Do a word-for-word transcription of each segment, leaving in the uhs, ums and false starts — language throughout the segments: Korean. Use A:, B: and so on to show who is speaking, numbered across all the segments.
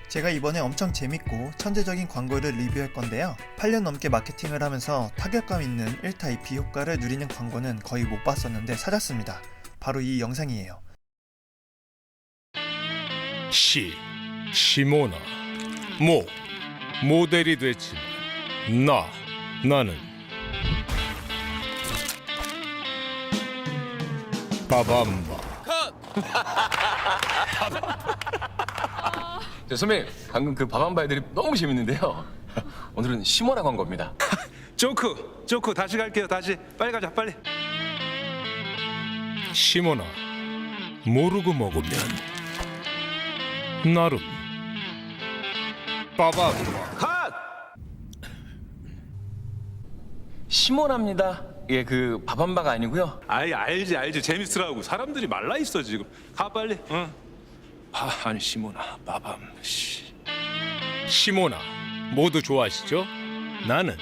A: 제가 이번에 엄청 재밌고 천재적인 광고를 리뷰할 건데요. 팔 년 넘게 마케팅을 하면서 타격감 있는 일 타 이 피 효과를 누리는 광고는 거의 못 봤었는데 찾았습니다. 바로 이 영상이에요.
B: 시, 시모나, 모, 모델이 됐지만 나, 나는 빠밤바.
C: 네, 선배님 방금 그 밥한바 애들이 너무 재밌는데요. 오늘은 시모나 광고입니다.
D: 조크 조크 다시 갈게요. 다시 빨리 가자 빨리.
B: 시모나, 모르고 먹으면 나름 빠밤바.
D: 컷.
C: 시모나입니다. 예, 그 밥한바가 아니고요.
D: 아이 알지 알지 재밌으라고 사람들이 말라 있어 지금. 가 빨리. 응. 아 아니 시모나 빠밤 씨.
B: 시모나, 모두 좋아하시죠? 나는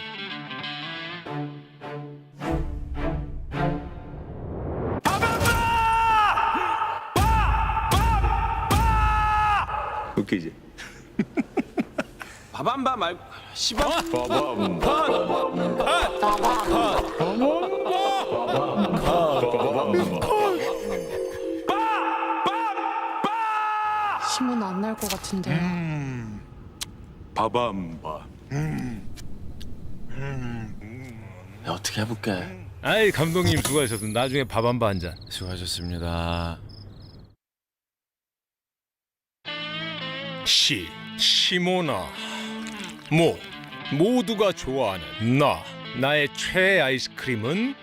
D: 웃기지. 밥한바 말고 시방.
B: 빠밤.
E: 시몬 안 날 것 같은데.
D: 밥한바.
C: 네, 어떻게 해볼게.
B: 아이 감독님 수고하셨습니다. 나중에 밥 한 바 한 잔.
C: 수고하셨습니다.
B: 시, 시모나, 모, 모두가 좋아하는 나, 나의 최애 아이스크림은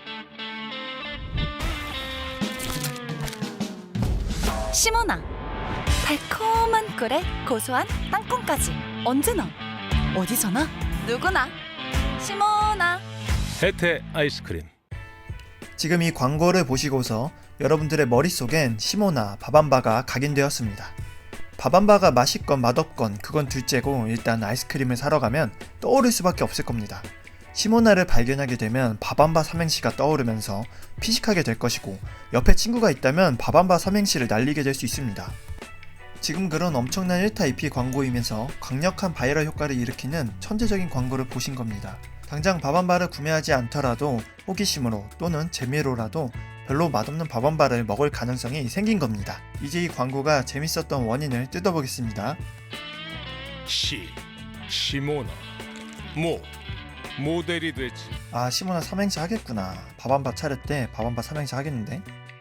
F: 시모나. 달콤한 꿀에 고소한 땅콩까지 언제나 어디서나 누구나 시모나.
B: 혜태 아이스크림.
A: 지금 이 광고를 보시고서 여러분들의 머릿속엔 시모나, 밥한바가 각인되었습니다. 밥한바가 맛있건 맛없건 그건 둘째고 일단 아이스크림을 사러 가면 떠오를 수밖에 없을 겁니다. 시모나를 발견하게 되면 밥한바 삼행시가 떠오르면서 피식하게 될 것이고 옆에 친구가 있다면 밥한바 삼행시를 날리게 될 수 있습니다. 지금 그런 엄청난 일 타 이 피 광고이면서 강력한 바이럴 효과를 일으키는 천재적인 광고를 보신 겁니다. 당장 밥한바를 구매하지 않더라도 호기심으로 또는 재미로라도 별로 맛없는 밥한바를 먹을 가능성이 생긴 겁니다. 이제 이 광고가 재밌었던 원인을 뜯어보겠습니다.
B: 시, 시모나, 모, 모델이 됐지.
A: 아, 시모나 삼행시 하겠구나. 밥한바 차릴 때 밥한바 삼행시 하겠는데?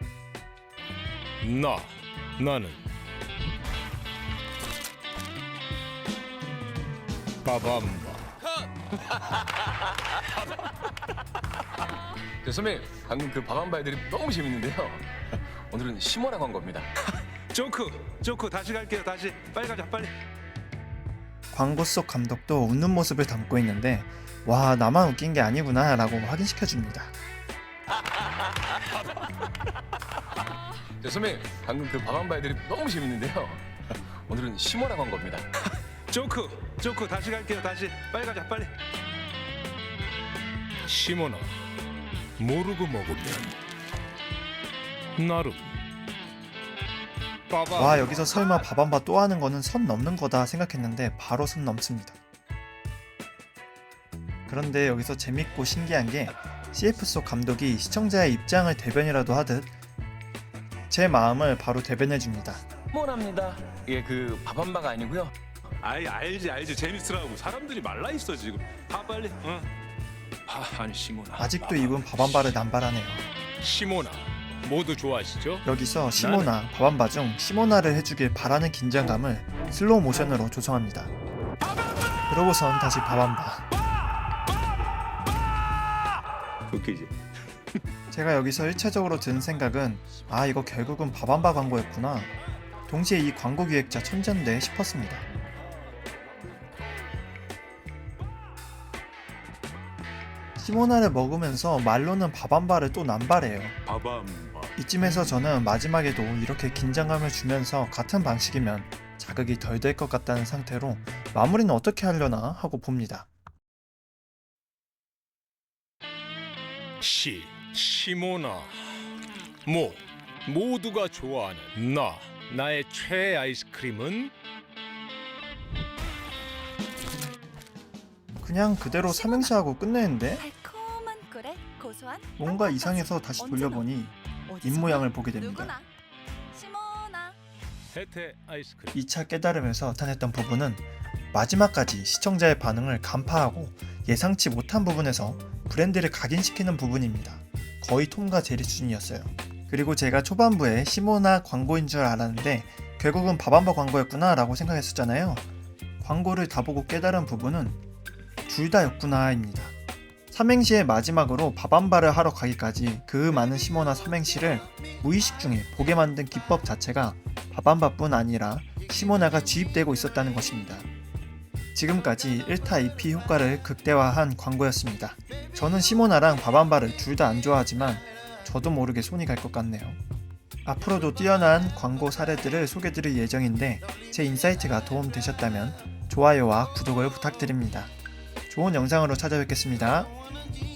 B: 나, 나는 빠밤바.
C: 네, 선배님 방금 그 밥한바 애들이 너무 재밌는데요. 오늘은 시모나 광고입니다.
D: 조크 조크 다시 갈게요. 다시 빨리 가자 빨리.
A: 광고 속 감독도 웃는 모습을 담고 있는데 와, 나만 웃긴 게 아니구나 라고 확인시켜줍니다.
C: 네, 선배님 방금 그 밥한바 애들이 너무 재밌는데요. 오늘은 시모나 광고입니다.
D: 조크 조크 다시 갈게요. 다시 빨리 가자 빨리.
B: 시모나, 모르고 먹으면 나름 빠밤.
A: 와, 여기서 설마 밥한바 또 하는 거는 선 넘는 거다 생각했는데 바로 선 넘습니다. 그런데 여기서 재밌고 신기한 게 씨에프 속 감독이 시청자의 입장을 대변이라도 하듯 제 마음을 바로 대변해줍니다.
C: 시모나입니다. 예, 그 밥한바가 아니고요.
D: 아이 알지 알지 재밌으라고 사람들이 말라 있어 지금. 가 빨리. 응. 아 아니 시모나.
A: 아직도 이분 밥한바를 남발하네요.
B: 시모나, 모두 좋아하시죠?
A: 여기서 시모나, 밥한바 중 시모나를 해주길 바라는 긴장감을 슬로우 모션으로 조성합니다. 그러고선 다시 밥한바.
D: 웃기지.
A: 제가 여기서 일차적으로 든 생각은 아, 이거 결국은 밥한바 광고였구나. 동시에 이 광고 기획자 천재인데 싶었습니다. 시모나를 먹으면서 말로는 밥한바를 또 남발해요.
D: 밥한바.
A: 이쯤에서 저는 마지막에도 이렇게 긴장감을 주면서 같은 방식이면 자극이 덜 될 것 같다는 상태로 마무리는 어떻게 하려나 하고 봅니다.
B: 시, 시모나, 모, 모두가 좋아하는 나, 나의 최애 아이스크림은
A: 그냥 그대로 삼행시하고 끝내는데?
F: 달콤한 꿀에 고소한
A: 뭔가
F: 땅콩까지.
A: 이상해서 다시
F: 언제나
A: 돌려보니
F: 어디서나
A: 입모양을 보게 됩니다.
F: 누구나 시모나.
B: 혜태 아이스크림.
A: 이 차 깨달음에서 나타냈던 부분은 마지막까지 시청자의 반응을 간파하고 예상치 못한 부분에서 브랜드를 각인시키는 부분입니다. 거의 톰과 제리 수준이었어요. 그리고 제가 초반부에 시모나 광고인 줄 알았는데 결국은 밥한바 광고였구나 라고 생각했었잖아요. 광고를 다 보고 깨달은 부분은 둘 다였구나 입니다. 삼행시의 마지막으로 밥한바를 하러 가기까지 그 많은 시모나 삼행시를 무의식 중에 보게 만든 기법 자체가 밥한바뿐 아니라 시모나가 주입되고 있었다는 것입니다. 지금까지 일 타 이 피 효과를 극대화한 광고였습니다. 저는 시모나랑 밥한바를 둘 다 안 좋아하지만 저도 모르게 손이 갈 것 같네요. 앞으로도 뛰어난 광고 사례들을 소개드릴 예정인데 제 인사이트가 도움되셨다면 좋아요와 구독을 부탁드립니다. 좋은 영상으로 찾아뵙겠습니다.